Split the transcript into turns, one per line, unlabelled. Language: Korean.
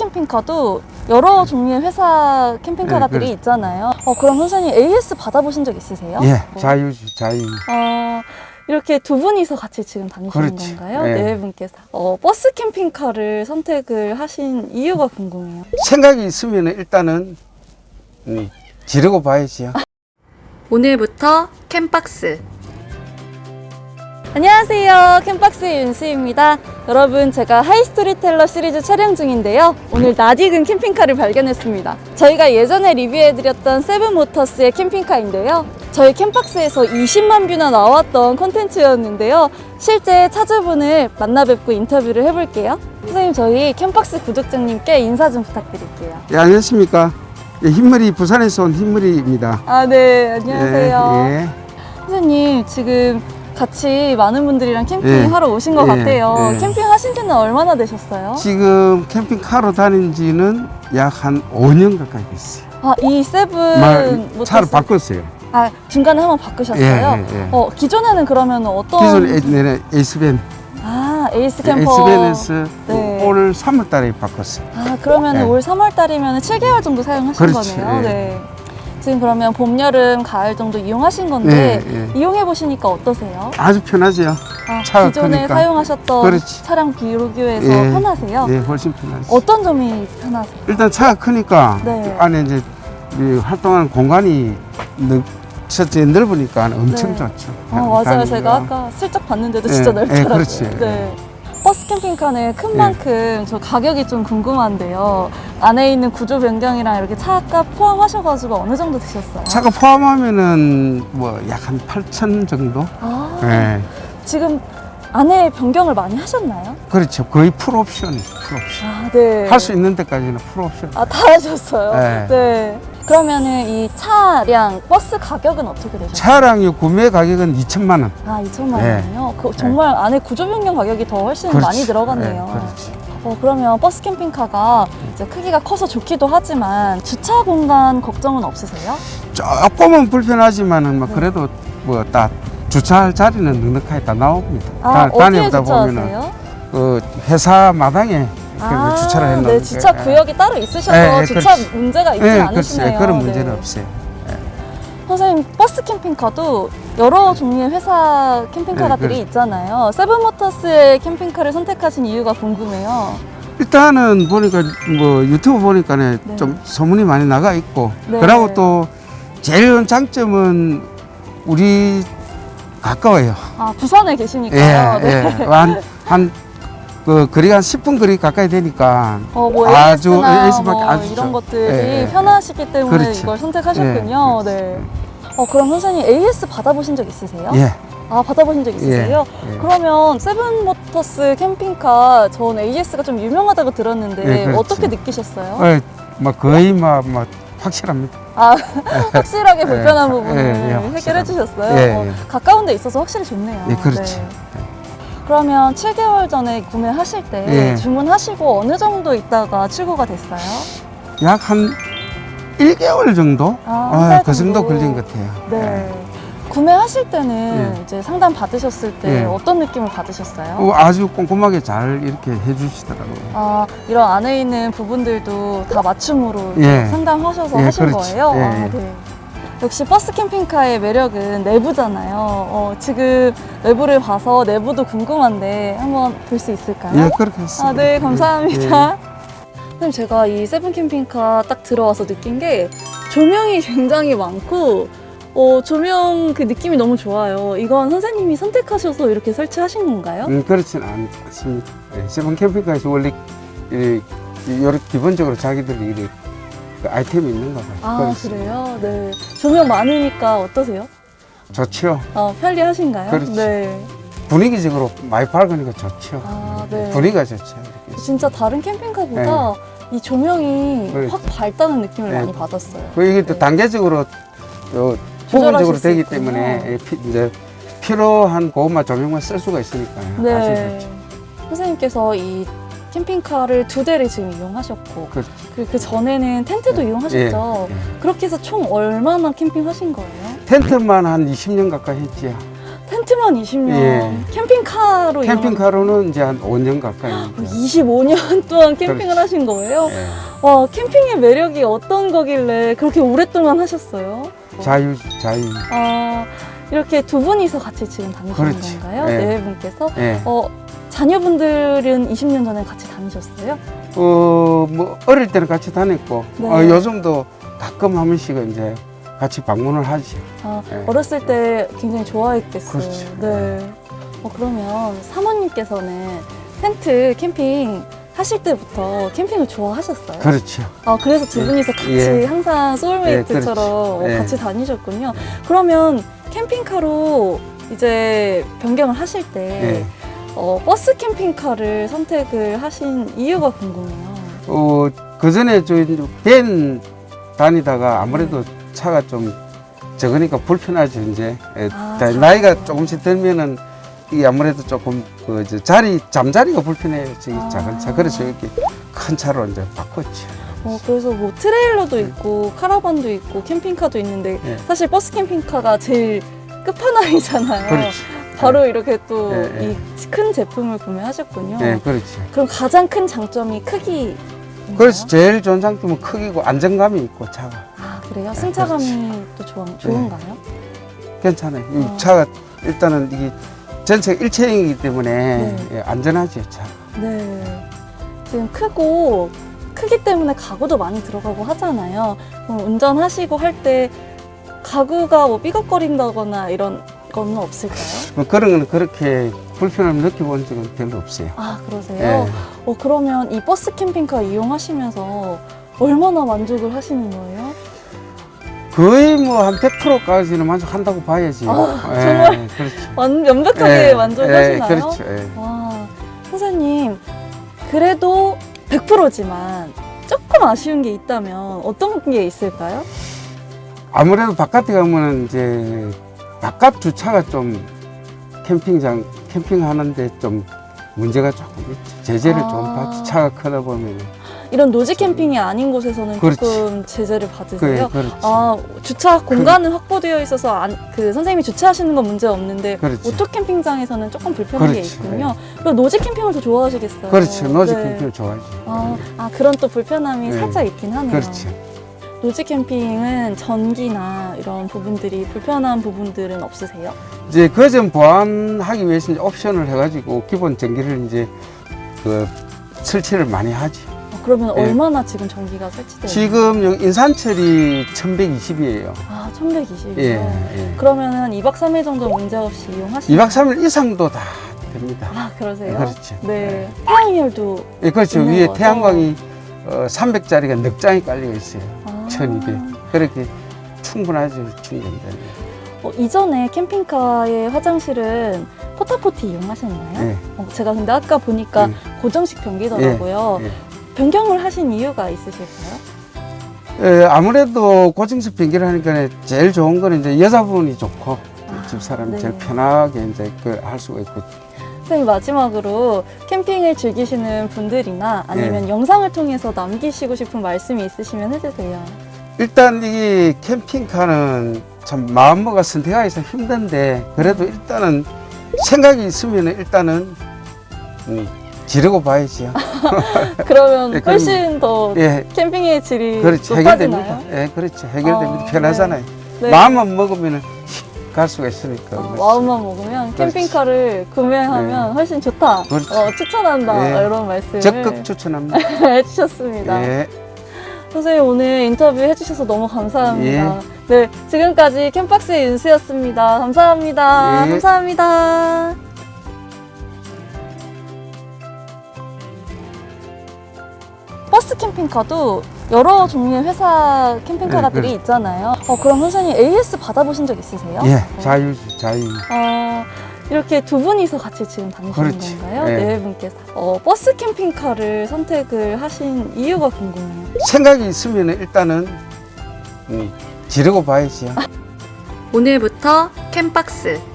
캠핑카도 여러 종류의 회사 캠핑카들이 있잖아요. 그럼 선생님 AS 받아보신 적 있으세요?
예, 자유지, 자유.
이렇게 두 분이서 같이 지금 다니시는
그렇지.
건가요?
예.
네 분께서. 버스 캠핑카를 선택을 하신 이유가 궁금해요.
생각이 있으면 일단은 지르고 봐야지요.
오늘부터 캠박스. 안녕하세요. 캠박스의 윤수입니다. 여러분, 제가 하이스토리텔러 시리즈 촬영 중인데요. 오늘 낯익은 캠핑카를 발견했습니다. 저희가 예전에 리뷰해드렸던 세븐모터스의 캠핑카인데요. 저희 캠박스에서 20만 뷰나 나왔던 콘텐츠였는데요. 실제 차주분을 만나 뵙고 인터뷰를 해볼게요. 선생님, 저희 캠박스 구독자님께 인사 좀 부탁드릴게요.
예, 안녕하십니까. 예, 흰머리, 부산에서 온 흰머리입니다.
아, 네. 안녕하세요.
예, 예.
선생님, 지금 같이 많은 분들이랑 캠핑하러 오신 것 같아요.
예.
캠핑 하신 지는 얼마나 되셨어요?
지금 캠핑카로 다닌 지는 약 한 5년 가까이 됐어요.
이 세븐 모터스.
차를 바꿨어요.
중간에 한번 바꾸셨어요?
예, 예, 예.
기존에는 그러면 어떤?
기존 에이스밴.
에이스 캠퍼.
에이스밴에서
네.
올 3월 달에 바꿨어요.
그러면
예.
올 3월 달이면 7개월 정도 사용하신
그렇지,
거네요.
예.
네. 지금 그러면 봄, 여름, 가을 정도 이용하신 건데
예.
이용해 보시니까 어떠세요?
아주 편하죠. 차가
기존에
크니까.
사용하셨던
그렇지.
차량 비교해서
예.
편하세요?
예, 훨씬 편하죠.
어떤 점이 편하세요?
일단 차가 크니까
네.
안에 이제 이 활동하는 공간이 첫째 넓으니까 엄청
네.
좋죠.
맞아요.
다니기가.
제가 아까 슬쩍 봤는데도
예,
진짜
예,
넓더라고요.
그렇지.
네. 버스 캠핑카는 큰
예.
만큼 저 가격이 좀 궁금한데요. 안에 있는 구조 변경이랑 이렇게 차값 포함하셔가지고 어느 정도 드셨어요?
차가 포함하면은 뭐 약 한 8천 정도? 예.
지금 안에 변경을 많이 하셨나요?
그렇죠. 거의 풀옵션.
네.
할 수 있는 데까지는 풀옵션.
다 하셨어요?
네.
네. 그러면은 이 차량, 버스 가격은 어떻게 되셨어요?
차량의 구매 가격은 2천만 원.
2천만
네.
원이요? 정말 안에 구조 변경 가격이 더 훨씬
그렇지.
많이 들어갔네요.
네, 그렇지.
그러면 버스 캠핑카가 이제 크기가 커서 좋기도 하지만 주차 공간 걱정은 없으세요?
조금은 불편하지만은 뭐
네.
그래도 뭐 딱 주차할 자리는 넉넉하게 다 나옵니다.
어디에
다니다 보면은
주차하세요?
그 회사 마당에 주차를 해놓은
네, 주차 구역이 따로 있으셔서
네,
주차
그렇지.
문제가 있진
네,
않으시네요.
그렇지. 그런 문제는
네.
없어요.
선생님, 버스 캠핑카도 여러 종류의 회사 캠핑카들이
네,
있잖아요. 세븐모터스의 캠핑카를 선택하신 이유가 궁금해요.
일단은 보니까 뭐 유튜브 보니까는
네.
좀 소문이 많이 나가 있고
네.
그리고 또 제일 큰 장점은 우리 가까워요.
부산에 계시니까요. 네.
그 거리가 한 10분 거리 가까이 되니까
뭐
아주
AS나
AS밖에
뭐
아주
이런
좋-
것들이 편하시기 때문에
그렇지.
이걸 선택하셨군요.
예,
네. 그럼 선생님 AS 받아보신 적 있으세요?
예.
받아보신 적 있으세요?
예.
그러면 세븐모터스 캠핑카 전 AS가 좀 유명하다고 들었는데
예, 그렇지.
어떻게 느끼셨어요?
뭐 거의 뭐 확실합니다.
확실하게 불편한 부분을
확실합니다.
해결해 주셨어요?
예.
가까운 데 있어서 확실히 좋네요.
예, 그렇지.
네. 그러면 7개월 전에 구매하실 때
예.
주문하시고 어느 정도 있다가 출고가 됐어요?
약 한 1개월 정도?
한 달
그 정도
정도.
걸린 것 같아요.
네. 구매하실 때는
예.
이제 상담 받으셨을 때
예.
어떤 느낌을 받으셨어요?
아주 꼼꼼하게 잘 이렇게 해주시더라고요.
이런 안에 있는 부분들도 다 맞춤으로
예.
상담하셔서
예,
하신
그렇지.
거예요?
예, 예.
네. 역시 버스 캠핑카의 매력은 내부잖아요. 지금 외부를 봐서 내부도 궁금한데 한번 볼 수 있을까요?
예, 그렇게 했습니다.
네, 감사합니다.
예.
선생님, 제가 이 세븐 캠핑카 딱 들어와서 느낀 게 조명이 굉장히 많고 조명 그 느낌이 너무 좋아요. 이건 선생님이 선택하셔서 이렇게 설치하신 건가요?
그렇지는 않습니다. 세븐 캠핑카에서 원래 이렇게 기본적으로 자기들이 이렇게 그 아이템이 있는가 봐요. 그렇지.
그래요? 네. 조명 많으니까 어떠세요?
좋죠.
편리하신가요?
그렇지.
네.
분위기적으로 많이 밝으니까 좋죠.
네.
분위기가 좋죠. 이렇게.
진짜 다른 캠핑카보다 이 조명이
그렇지.
확 밝다는 느낌을
네.
많이 받았어요.
이게 또
네.
단계적으로
조절하실
부분적으로
수
되기
있군요.
때문에 이제 필요한 고급만 조명만 쓸 수가 있으니까요.
네.
아주 좋죠.
선생님께서 이 캠핑카를 2대를 지금 이용하셨고
그렇죠.
그 전에는 텐트도 이용하셨죠?
예.
그렇게 해서 총 얼마나 캠핑하신 거예요?
텐트만 한 20년 가까이 했지요.
텐트 렌트만 20년.
예.
캠핑카로
캠핑카로는 이제 한 5년 가까이.
25년 동안 캠핑을 하신 거예요?
예.
와, 캠핑의 매력이 어떤 거길래 그렇게 오랫동안 하셨어요?
자유.
아, 이렇게 두 분이서 같이 지금 다니시는
그렇지.
건가요?
예.
네 분께서?
예.
자녀분들은 20년 전에 같이 다니셨어요?
뭐 어릴 때는 같이 다녔고
네.
요즘도 가끔 한 번씩 이제 같이 방문을 하지.
아,
예.
어렸을 때 굉장히 좋아했겠어요.
그렇죠.
네. 그러면 사모님께서는 텐트 캠핑 하실 때부터 캠핑을 좋아하셨어요?
그렇죠.
그래서 두 분이서 같이
예.
항상 소울메이트처럼
예, 그렇지. 예.
같이 다니셨군요. 그러면 캠핑카로 이제 변경을 하실 때
예.
버스 캠핑카를 선택을 하신 이유가 궁금해요.
그 전에 밴 다니다가 아무래도 차가 좀 적으니까 불편하죠 이제. 나이가 조금씩 들면은 이게 아무래도 조금 잠자리가 불편해요. 작은 차. 그래서 이렇게 큰 차로 이제 바꿨죠.
그래서 뭐 트레일러도 있고 카라반도 있고 캠핑카도 있는데
예.
사실 버스 캠핑카가 제일 끝판왕이잖아요.
그렇지.
바로 이렇게 또
예,
이 큰 제품을 구매하셨군요.
네, 그렇지.
그럼 가장 큰 장점이 크기.
그래서 제일 좋은 장점은 크기고 안정감이 있고 차가
그래요?
네,
승차감이 또 좋은가요?
괜찮아요. 이 차가 일단은 이게 전체가 일체형이기 때문에
네.
예, 안전하죠 차가.
네. 지금 크기 때문에 가구도 많이 들어가고 하잖아요. 그럼 운전하시고 할 때 가구가 뭐 삐걱거린다거나 이런 건 없을까요?
뭐 그런 거는 그렇게 불편함을 느껴본 적은 별로 없어요.
그러세요?
예.
그러면 이 버스 캠핑카 이용하시면서 얼마나 만족을 하시는 거예요?
거의 뭐 한 100%까지는 만족한다고 봐야지.
정말?
그렇죠.
완벽하게 만족하시나요?
그렇죠. 예.
와, 선생님, 그래도 100%지만 조금 아쉬운 게 있다면 어떤 게 있을까요?
아무래도 바깥에 가면은 이제 바깥 주차가 좀 캠핑하는데 좀 문제가 조금 있죠. 제재를 좀 받지. 차가 크다 보면.
이런 노지 캠핑이 아닌 곳에서는
그렇지.
조금 제재를 받으세요?
그렇지.
주차 공간은 확보되어 있어서 선생님이 주차하시는 건 문제 없는데
그렇지.
오토 캠핑장에서는 조금 불편한 게
그렇지.
있군요. 그럼 노지 캠핑을 더 좋아하시겠어요?
그렇지. 노지
네.
캠핑을 좋아하지.
그런 또 불편함이
네.
살짝 있긴 하네요.
그렇지.
노지 캠핑은 전기나 이런 부분들이 불편한 부분들은 없으세요?
이제 그 점 보완하기 위해서 이제 옵션을 해가지고 기본 전기를 이제 설치를 많이 하지.
그러면
예.
얼마나 지금 전기가 설치되어 있나요?
지금 여기 인산철이 1120이에요.
1120이요?
예.
그러면은 2박 3일 정도 문제없이 이용하시나요?
2박 3일 이상도 다 됩니다.
그러세요?
그렇죠.
네. 태양열도
예, 그렇죠.
있는
위에
거죠?
태양광이 300짜리가 넉 장이 깔려 있어요. 1200. 그렇게 충분하죠. 충분되네.
이전에 캠핑카의 화장실은 포타포티 이용하셨나요?
예.
제가 근데 아까 보니까 고정식 변기더라고요.
예.
변경을 하신 이유가 있으실까요?
예, 아무래도 고정식 변기를 하니까 제일 좋은 거는 이제 여자분이 좋고 집사람이
네.
제일 편하게 이제 할 수가 있고.
선생님, 마지막으로 캠핑을 즐기시는 분들이나 아니면
예.
영상을 통해서 남기시고 싶은 말씀이 있으시면 해주세요.
일단 이 캠핑카는 참 마음먹어 선택하기가 힘든데 그래도 일단은 생각이 있으면 일단은 지르고 봐야지요.
그러면
예, 그럼-
훨씬 더
예,
캠핑의 질이
그렇지.
높아지나요?
해결됩니다. 예, 그렇죠. 해결됩니다. 편하잖아요.
네.
마음만 먹으면 갈 수가 있으니까.
마음만 먹으면
그렇지.
캠핑카를 구매하면 훨씬 좋다.
그렇지.
추천한다.
예.
이런 말씀을
적극 추천합니다.
해주셨습니다.
예.
선생님, 오늘 인터뷰 해주셔서 너무 감사합니다.
예.
네, 지금까지 캠박스의 윤수였습니다. 감사합니다.
예.
감사합니다. 버스 캠핑카도 여러 종류의 회사 캠핑카들이
그렇죠.
있잖아요. 그럼 선생님 AS 받아보신 적 있으세요?
예, 자유.
이렇게 두 분이서 같이 지금 다니시는
그렇지.
건가요?
예.
네 분께서. 버스 캠핑카를 선택을 하신 이유가 궁금해요.
생각이 있으면 일단은 지르고 봐야지요.
오늘부터 캠박스